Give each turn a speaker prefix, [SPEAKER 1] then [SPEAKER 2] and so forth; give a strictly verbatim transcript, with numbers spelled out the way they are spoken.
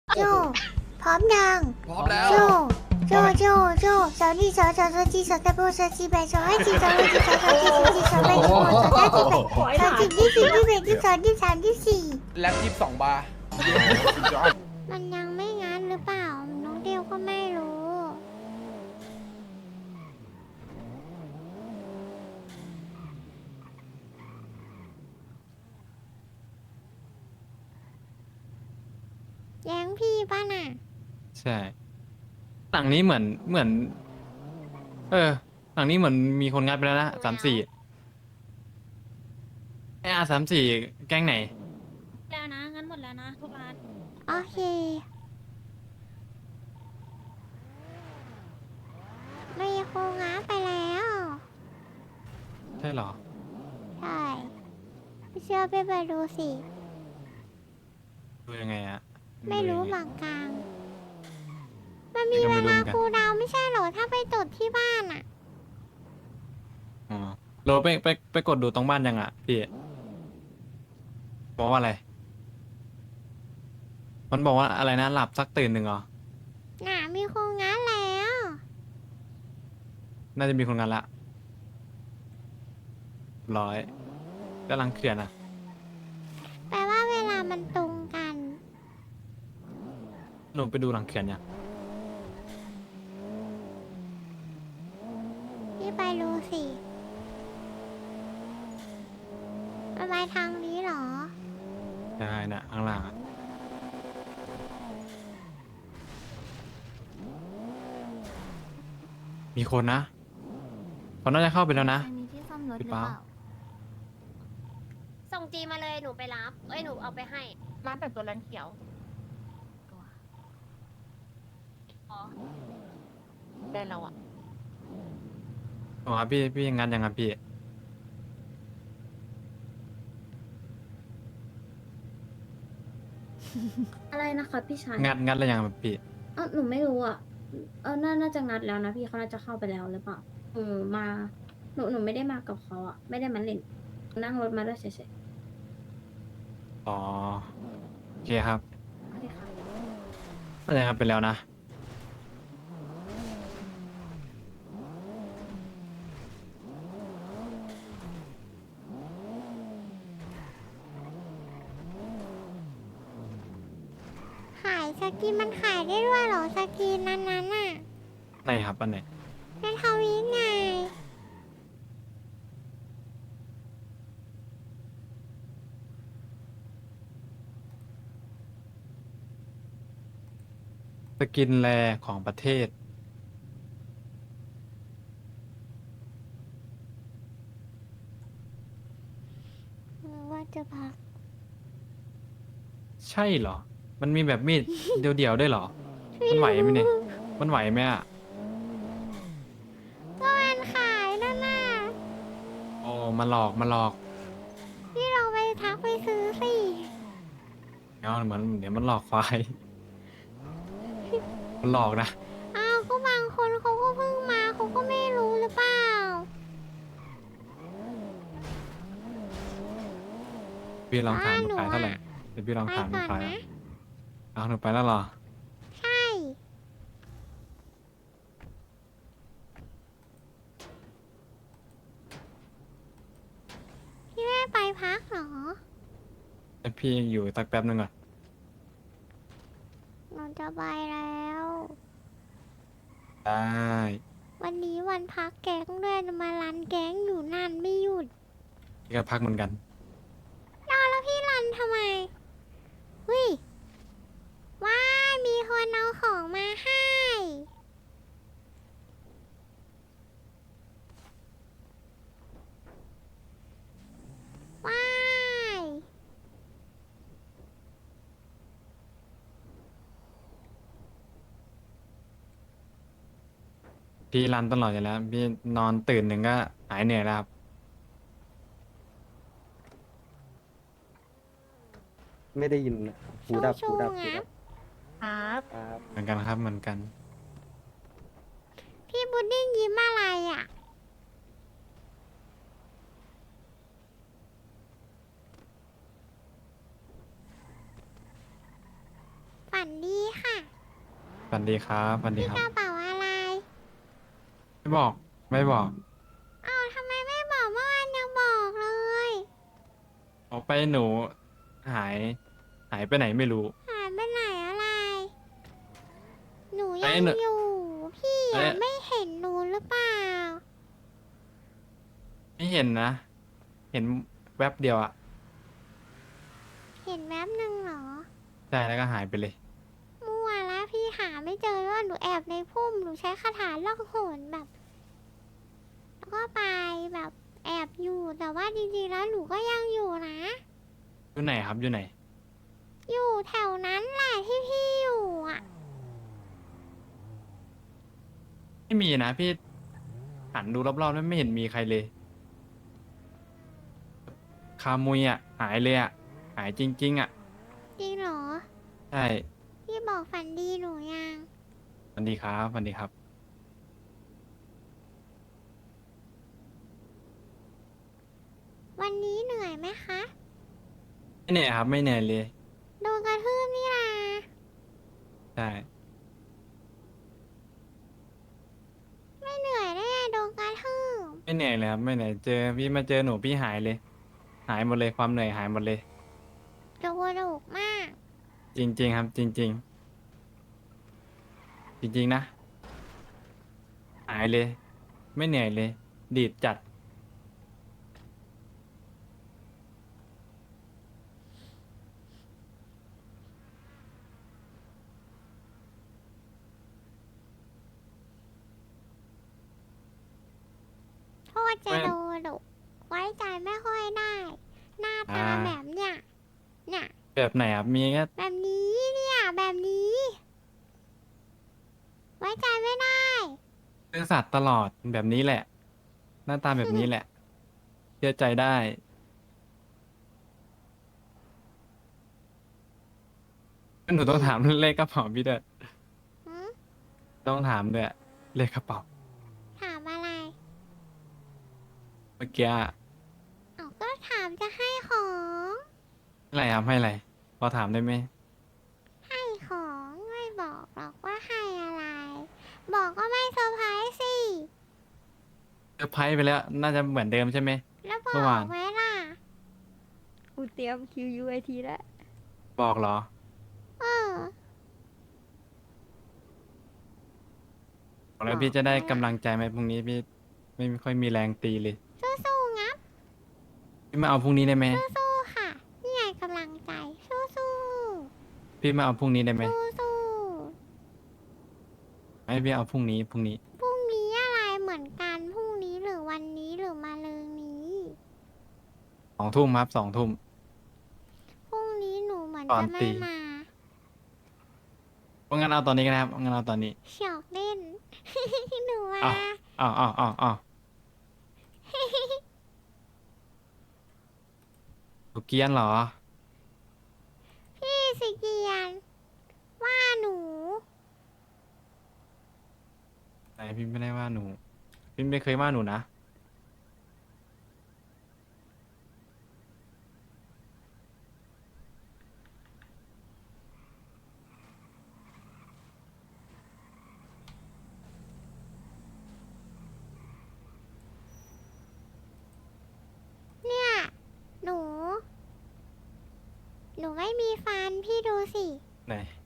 [SPEAKER 1] โจพร้อมยัง
[SPEAKER 2] พร้อมแล้ว
[SPEAKER 1] โจโจโจโจสาวนี่สาวสาวสาวจีสาวตะโบสาวจีแบสาวให้จีสาวให้จีสาวสาวจีสาวจีสาวแบสาวสาวจีแบสาวจีที่สี่ที่แบที่สองที่สามที่สี่
[SPEAKER 2] แล็ปยี่สิบสองบาร์
[SPEAKER 1] มันยังไม่งั้นหรือเปล่าน้องเดียวก็ไม่รู้แย้งพี่ป่ะน่ะ
[SPEAKER 3] ใช่หลังนี้เหมือนเหมือน เออ หลังนี้เหมือนมีคนงัดไปแล้วนะสามสี่ไออาสามสี่แก๊งไหน
[SPEAKER 4] แล้วนะงั้นหมดแล้วนะทุกร้าน
[SPEAKER 1] โอเคไม่คงง้าไปแล้ว
[SPEAKER 3] ใช่เหรอ
[SPEAKER 1] ใช่ไม่เชื่อไปไปดูสิ
[SPEAKER 3] ดูยังไงอะ
[SPEAKER 1] ไม่รู้
[SPEAKER 3] ดูยัง
[SPEAKER 1] เห
[SPEAKER 3] ไง
[SPEAKER 1] มือนกันมันมี
[SPEAKER 3] ก็
[SPEAKER 1] เว
[SPEAKER 3] ไม่รู้
[SPEAKER 1] ลา
[SPEAKER 3] เหมือนกัน
[SPEAKER 1] ครูดาวไม่ใช่เหรอ ถ้าไปจดที่บ้านอ่ะ
[SPEAKER 3] อ๋อโรไปไปไปกดดูตรงบ้านยังอ่ะพี่บอกว่าอะไร มันบอกว่าอะไรนะหลับสักตื่นหนึ่งเหรอ
[SPEAKER 1] น่ะมีคงง้าแล้ว
[SPEAKER 3] น่าจะมีคนงานละร้อยกำลังเคลียร์นะ
[SPEAKER 1] แปลว่าเวลามันตรงกัน
[SPEAKER 3] หนูไปดูหลังเขื่อนยัง
[SPEAKER 1] พี่ไปดูสิมันไปทางนี้เหรอ
[SPEAKER 3] ใช่นะข้างล่างอะมีคนนะเขาน่าจะเข้าไปแล้วนะ
[SPEAKER 4] มีที่ซ่อมรถห
[SPEAKER 3] หรื
[SPEAKER 4] รือ อ
[SPEAKER 3] เป
[SPEAKER 4] เป
[SPEAKER 3] ล่า
[SPEAKER 4] ล่า
[SPEAKER 5] ส่งจีมาเลยหนูไปรับ เอ้ยหนูเอาไปให้
[SPEAKER 6] ร้านแต่งตัวแลนเขียว
[SPEAKER 5] อ๋อ
[SPEAKER 6] ได้แล้วอ่ะ
[SPEAKER 3] อ๋อครับพี่พี่งานยังครับพี่
[SPEAKER 7] อะไรนะคะพี่ชาย
[SPEAKER 3] งัดงัดแล้วยังครับพี่
[SPEAKER 7] เออหนูไม่รู้อ่ะเออน่าน่าจะงัดแล้วนะพี่เขาน่าจะเข้าไปแล้วหรือเปล่าหนูมาหนูหนูไม่ได้มากับเขาอ่ะ ไม่ได้มาเล่นนั่งรถมาด้วยเฉย
[SPEAKER 3] อ๋อโอเคครับ
[SPEAKER 7] ๆโอเคค่ะ
[SPEAKER 3] น่าจะงัดไปแล้วนะ
[SPEAKER 1] ขายสกินมันขายได้ด้วยเหรอสกินนั้นนั้นๆน่ะ
[SPEAKER 3] ไหนครับอันไหน
[SPEAKER 1] ในทวีตไง
[SPEAKER 3] สกินแรของประเทศ
[SPEAKER 1] ว่าจะพัก
[SPEAKER 3] ใช่เหรอ มันมีแบบมีด เดียวๆได้วยเหรอ มันไหวไหมเนี่ย มันไหวไหมอ่ะ
[SPEAKER 1] ก็มันขายนั่นน่ะ
[SPEAKER 3] โอ้มาหลอกมาหลอก
[SPEAKER 1] พี่เราไปทักไปซื้อสิ
[SPEAKER 3] เอาเหมือนเดี๋ยวมันหลอกควาย มันหลอกนะ
[SPEAKER 1] อ้าวก็บางคนเขาก็เพิ่งมาเขาก็ไม่รู้หรือเปล่า
[SPEAKER 3] พี่ลองถาม
[SPEAKER 1] อ่า
[SPEAKER 3] หนู
[SPEAKER 1] หนู
[SPEAKER 3] ขายเท่าไหร่
[SPEAKER 1] อะ
[SPEAKER 3] เดี๋ยวพี่ลอง
[SPEAKER 1] ไป
[SPEAKER 3] ถามหนู
[SPEAKER 1] ก่อน
[SPEAKER 3] ขาย
[SPEAKER 1] นะ
[SPEAKER 3] เอาหนูไปแล้วเหรอ
[SPEAKER 1] ใช่ พี่แม่ไปพักเหรอ
[SPEAKER 3] แต่พี่อยู่สักแป๊บนึงก่อน
[SPEAKER 1] หนูจะไปแล้ว
[SPEAKER 3] ได้
[SPEAKER 1] วันนี้วันพักแก๊งด้วยมารันแก๊งอยู่นานไม่หยุด
[SPEAKER 3] พี่ก็พักเหมือนกัน
[SPEAKER 1] รอแล้วพี่รันทำไมเฮ้ยว้ายมีคนเอาของมาให้ว้าย
[SPEAKER 3] พี่รันตลอดอยู่แล้ว พี่นอนตื่นหนึ่งก็หายเหนื่อยแล้วครับ
[SPEAKER 8] ไม่ได้ยินหูดับ
[SPEAKER 1] ชู
[SPEAKER 8] หูดับ
[SPEAKER 1] ๆ
[SPEAKER 8] หู
[SPEAKER 1] งั
[SPEAKER 8] ดั
[SPEAKER 1] บบ
[SPEAKER 6] ครับ
[SPEAKER 8] ครับ
[SPEAKER 3] เหมือนกันครับเหมือนกัน
[SPEAKER 1] พี่พุดดิ้งยิ้มอะไรอ่ะ ฝันดี
[SPEAKER 3] สวัสดีครับสวัสดี
[SPEAKER 1] พี่
[SPEAKER 3] ครั
[SPEAKER 1] ก
[SPEAKER 3] บ
[SPEAKER 1] ระเป๋าอะไร
[SPEAKER 3] ไม่บอก ไม่บอก
[SPEAKER 1] อ้าวทำไมไม่บอกเมื่อวานยังบอกเลย
[SPEAKER 3] ออกไปหนูหาย หายไปไหนไม่รู้
[SPEAKER 1] หายไปไหนอะไร หนู
[SPEAKER 3] ไอ้
[SPEAKER 1] ยัง
[SPEAKER 3] หนู
[SPEAKER 1] อยู่ พี่
[SPEAKER 3] ไอ้
[SPEAKER 1] อะไม่เห็นหนูหรือเปล่า
[SPEAKER 3] ไม่เห็นนะ เห็นแวบเดียวอะ
[SPEAKER 1] เห็นแวบหนึ่งเหรอ
[SPEAKER 3] ใช่แล้วก็หายไปเลย
[SPEAKER 1] มั่วแล้วพี่หาไม่เจอว่าหนูแอบในพุ่มหนูใช้คาถาล่องหนแบบ แล้วก็ไปแบบแอบอยู่แต่ว่าจริงๆแล้วหนูก็ยังอยู่นะ
[SPEAKER 3] อยู่ไหนครับ อยู่ไหน
[SPEAKER 1] อยู่แถวนั้นแหละที่พี่อยู่อ่ะ
[SPEAKER 3] ไม่มีนะพี่หันดูรอบๆแล้วไม่เห็นมีใครเลย คามุยอ่ะ หายเลยอ่ะ หายจริง ๆ อ่ะ
[SPEAKER 1] จริงเหรอ
[SPEAKER 3] ใช่
[SPEAKER 1] พี่บอกฝันดีหนูยัง
[SPEAKER 3] สวัสดีครับสวัสดีครับ
[SPEAKER 1] วันนี้เหนื่อยไหมคะ
[SPEAKER 3] ไม่เหนื่อยครับ ไม่เหนื่อยเลย
[SPEAKER 1] โดนกระทืบนี่นะ
[SPEAKER 3] ใช่
[SPEAKER 1] ไม่เหนื่อยได้ไงโดนกระทืบ
[SPEAKER 3] ไม่เหนื่อยเลยครับ ไม่เหนื่อย เจอพี่มาเจอหนูพี่หายเลย หายหมดเลย ความเหนื่อยหายหมดเลย
[SPEAKER 1] โดนดุมาก
[SPEAKER 3] จริง ๆ ครับ จริง ๆ จริง ๆ นะ หายเลย ไม่เหนื่อยเลย ดีดจัด
[SPEAKER 1] โทษจะโดนดุไว้ใจไม่ค่อยได้ หน้าตา
[SPEAKER 3] อ่า
[SPEAKER 1] แบบเนี้ยเนี่ย
[SPEAKER 3] แบบไหนครับ มีแค่
[SPEAKER 1] แบบนี้เนี่ยแบบนี้ ไว้ใจไม่ได้
[SPEAKER 3] ซื่อสัตย์ตลอดแบบนี้แหละ หน้าตาแบบนี้แหละ เชื่อใจได้ หนูต้องถามเลขกระเป๋าพี่ด้วย
[SPEAKER 1] หืม
[SPEAKER 3] ต้องถามด้วยเลขกระเป๋า
[SPEAKER 1] ถามอะไร
[SPEAKER 3] เมื่อกี้อะ
[SPEAKER 1] เอาก็ถามจะให้ของ
[SPEAKER 3] อะไรครับให้อะไร พอถามได้ไหม
[SPEAKER 1] ให้ของไม่บอกหรอกว่าให้อะไร บอกก็ไม่เซอร์ไพรส์สิ
[SPEAKER 3] เซอร์ไพรส์ไปแล้ว น่าจะเหมือนเดิมใช่ไหม
[SPEAKER 1] แล้วบอ
[SPEAKER 3] เมื่อวาน
[SPEAKER 1] กไว้ล่ะ
[SPEAKER 7] กูเตรียม คิว ยู ไอ ที แล้ว
[SPEAKER 3] บอกเหรอ
[SPEAKER 1] เออ
[SPEAKER 3] บอกแล้วพี่จะได้กำลังใจไหมพรุ่งนี้พี่ไม่ค่อยมีแรงตีเลย
[SPEAKER 1] สู้ๆงับ
[SPEAKER 3] พี่มาเอาพรุ่งนี้ได้ไหม
[SPEAKER 1] สู้ๆค่ะ นี่ไงกำลังใจ สู้
[SPEAKER 3] พี่มาเอาพรุ่งนี้ได้ไหม
[SPEAKER 1] ๆสู้
[SPEAKER 3] ให้พี่เอาพรุ่งนี้พรุ่งนี้
[SPEAKER 1] ๆพรุ่งนี้อะไรเหมือนกัน พรุ่งนี้หรือวันนี้หรือมาเรืองนี้
[SPEAKER 3] สองทุ่มครับสองทุ่ม
[SPEAKER 1] พรุ่งนี้หนูเหมือน
[SPEAKER 3] ก่อน
[SPEAKER 1] จะไม่
[SPEAKER 3] ตี
[SPEAKER 1] มา
[SPEAKER 3] เพราะงั้นเอาตอนนี้ก็ได้ครับงั้นเอาตอนนี้
[SPEAKER 1] เฉียกเล่น หนูมา
[SPEAKER 3] อ้าวอ้าวอ้าวอ้าวหนูเกรียนเหรอ
[SPEAKER 1] พี่สิเกียน ว่าหนู
[SPEAKER 3] ไหนพี่ไม่ได้ว่าหนู พี่ไม่เคยว่าหนูนะ
[SPEAKER 1] เนี่ย หนู หนูไม่มีฟันพี่ดูสิ
[SPEAKER 3] ไหน